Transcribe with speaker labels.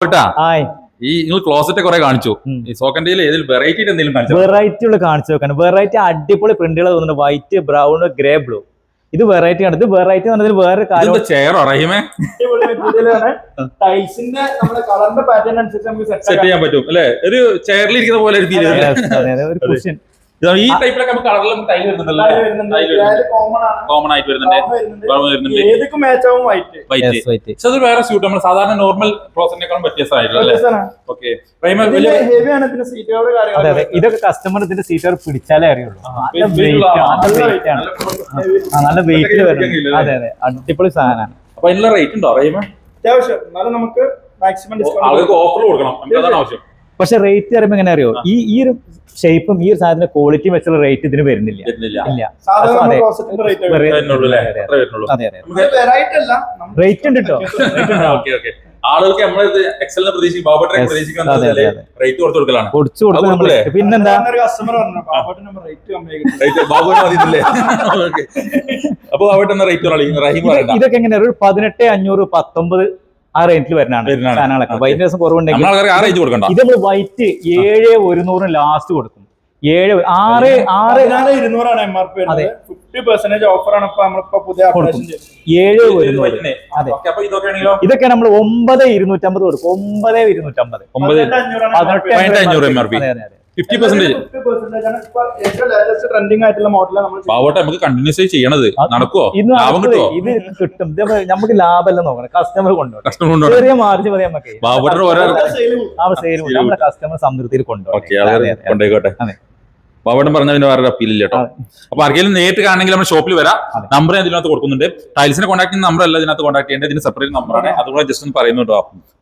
Speaker 1: ഈ നിങ്ങൾ ക്ലോസറ്റ് കുറെ കാണിച്ചു. ഈ സോക്കൻഡിയിൽ ഏതിൽ വെറൈറ്റി എന്തെങ്കിലും കാണിച്ചു?
Speaker 2: വെറൈറ്റി ഉള്ള കാണിച്ചു നോക്കാണ്. വെറൈറ്റി അടിപൊളി പ്രിന്റുകൾ തോന്നുന്നു. White, brown, grey, blue. ഇത് വെറൈറ്റി ആണ്. ഇത് വെറൈറ്റി എന്ന് പറഞ്ഞാൽ വേറെ കാര്യം.
Speaker 1: ചെയറോ റഹീമേ?
Speaker 3: ടൈൽസിന്റെ നമ്മുടെ കളറിന്റെ പാറ്റേൺ അനുസരിച്ച് നമുക്ക്
Speaker 1: സെറ്റ് ചെയ്യാൻ പറ്റും അല്ലെ? ഒരു ചെയറിൽ ഇരിക്കുന്ന പോലെ
Speaker 2: ഒരു
Speaker 1: ഈ ടൈപ്പിലൊക്കെ നമുക്ക് കളറിലും ടൈൽ വരുന്നുണ്ടല്ലോ. കോമൺ ആയിട്ട് വരുന്നുണ്ട്.
Speaker 3: ഏതൊക്കെ മാച്ച് ആവും വൈറ്റ്.
Speaker 1: പക്ഷെ അത് വേറെ സ്യൂട്ട് നമ്മൾ സാധാരണ നോർമൽ ക്ലോസറ്റിനേക്കാളും വ്യത്യസ്തമായിട്ടില്ല.
Speaker 2: ഇതൊക്കെ കസ്റ്റമർ ഇതിന്റെ സീറ്റ് പിടിച്ചാലേ അറിയുള്ളൂ. നല്ല വെയിറ്റ് വരുന്നത്. അതെ അതെ, അടിപൊളി സാധനമാണ്.
Speaker 1: അപ്പൊ അതിനുള്ള റേറ്റ് ഉണ്ടോ റഹീമേ?
Speaker 3: അത്യാവശ്യം. എന്നാലും നമുക്ക് മാക്സിമം
Speaker 1: ഡിസ്കൗണ്ട് ഓഫർ കൊടുക്കണം. അതാണ് ആവശ്യം.
Speaker 2: പക്ഷെ റേറ്റ് പറയുമ്പോ എങ്ങനെ അറിയോ, ഈ ഒരു ഷേപ്പും ഈ ഒരു സാധനത്തിന്റെ ക്വാളിറ്റി വെച്ചുള്ള റേറ്റ് ഇതിന് വരുന്നില്ല. റേറ്റ് ഉണ്ട് കേട്ടോ.
Speaker 1: ആളുകൾക്ക് നമ്മൾ എക്സലിനെ പ്രതീക്ഷിക്കും, റേറ്റ് കുറച്ച് കൊടുക്കലാണ്.
Speaker 2: പിന്നെന്താ
Speaker 1: അപ്പൊ അവിടെ റേറ്റ്
Speaker 2: ഇതൊക്കെ എങ്ങനെയാ? ഒരു 18,500, 19 ആ റേറ്റിൽ വരുന്നതാണ് സാധനങ്ങളൊക്കെ. വൈറ്റ് ദിവസം കുറവുണ്ടെങ്കിൽ ഇത് നമ്മൾ വൈറ്റ് 7,100 ലാസ്റ്റ് കൊടുക്കും.
Speaker 3: 6,200 MRP. 50% ഓഫർ ആണ് നമ്മളിപ്പോ പുതിയ
Speaker 2: 7,100. അതെ, ഇതൊക്കെ നമ്മൾ 9,250 കൊടുക്കും. 9,250.
Speaker 1: 18,500 MRP. 50%
Speaker 3: ട്രെൻഡിങ് ആയിട്ടുള്ള മോഡലാണ്
Speaker 1: നമുക്ക് കണ്ടിന്യൂസ് ചെയ്യണത്. നടക്കുവോ? ലാഭം കിട്ടുമോ?
Speaker 2: ഇത് കിട്ടും. നമുക്ക് ലാഭമല്ല നോക്കണം, കസ്റ്റമർ കൊണ്ടുപോകും. ചെറിയ മാർജിൻ മതി നമുക്ക്. നമ്മുടെ കസ്റ്റമർ സംതൃപ്തിയിൽ
Speaker 1: കൊണ്ടുപോയിക്കോട്ടെ. ബാബുട്ടൻ പറഞ്ഞതിന് വേറെ അപ്പീൽ ഇല്ല കേട്ടോ. അപ്പൊ ആർക്കെങ്കിലും നേരിട്ട് കാണണമെങ്കിൽ നമ്മൾ ഷോപ്പിൽ വരാം. നമ്പർ ഇതിനകത്ത് കൊടുക്കുന്നുണ്ട്. ടൈൽസിനെ കോൺടാക്ട് ചെയ്യുന്ന നമ്പർ അല്ല ഇതിനകത്ത് കോൺടാക്ട് ചെയ്യേണ്ടത്. ഇതിന് സെപ്പറേറ്റ് നമ്പറാണ്. അതുകൂടെ ജസ്റ്റ് ഒന്ന് പറയുന്നു കേട്ടോ.